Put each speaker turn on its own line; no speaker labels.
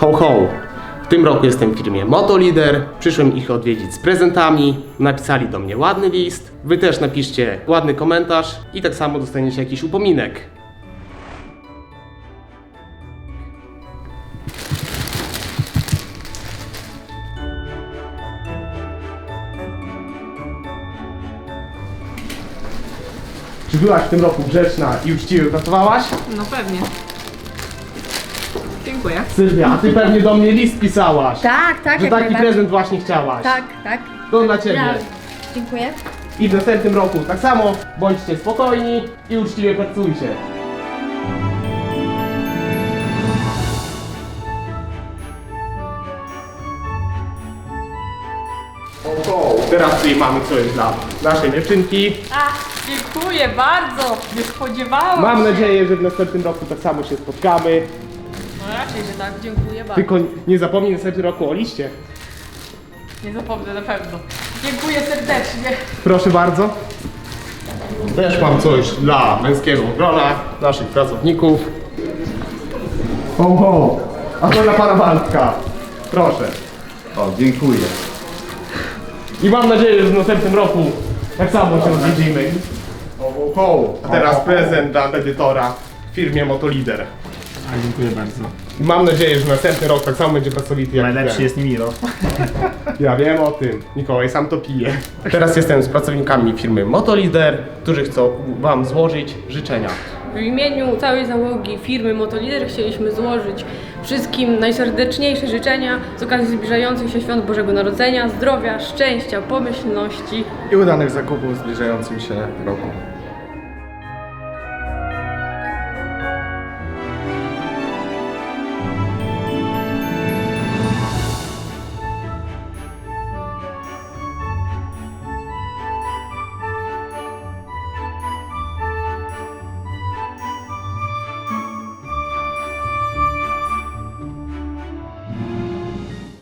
Ho ho! W tym roku jestem w firmie Motolider. Przyszłem ich odwiedzić z prezentami. Napisali do mnie ładny list. Wy też napiszcie ładny komentarz i tak samo dostaniecie jakiś upominek. Czy byłaś w tym roku grzeczna i uczciwie pracowałaś?
No pewnie. Dziękuję.
Sylwia, a ty pewnie do mnie list pisałaś.
Tak, tak,
Że
jak
taki
najbardziej.
prezent właśnie chciałaś.
Tak, tak.
To dla ciebie.
Ja. Dziękuję.
I w następnym roku tak samo bądźcie spokojni i uczciwie pracujcie. Oho, teraz tutaj mamy coś dla naszej dziewczynki.
Dziękuję bardzo. Nie spodziewałam
Mam
się.
nadzieję, że w następnym roku tak samo się spotkamy.
No raczej, że tak. Dziękuję bardzo.
Tylko nie zapomnij w następnym roku o liście.
Nie zapomnę na pewno. Dziękuję serdecznie.
Proszę bardzo. Też mam coś dla męskiego grona, naszych pracowników. Ho, ho. A to dla pana Waldka. Proszę.
O, dziękuję.
I mam nadzieję, że w następnym roku tak samo się odwiedzimy. Ho, ho, ho. A teraz prezent dla edytora w firmie Motolider.
A, dziękuję bardzo.
I mam nadzieję, że następny rok tak samo będzie pracowity jak
Najlepszy
ten.
jest Nimiro.
Ja wiem o tym. Mikołaj sam to pije. Teraz jestem z pracownikami firmy Motolider, którzy chcą wam złożyć życzenia.
W imieniu całej załogi firmy Motolider chcieliśmy złożyć wszystkim najserdeczniejsze życzenia z okazji zbliżających się świąt Bożego Narodzenia, zdrowia, szczęścia, pomyślności.
I udanych zakupów w zbliżającym się roku.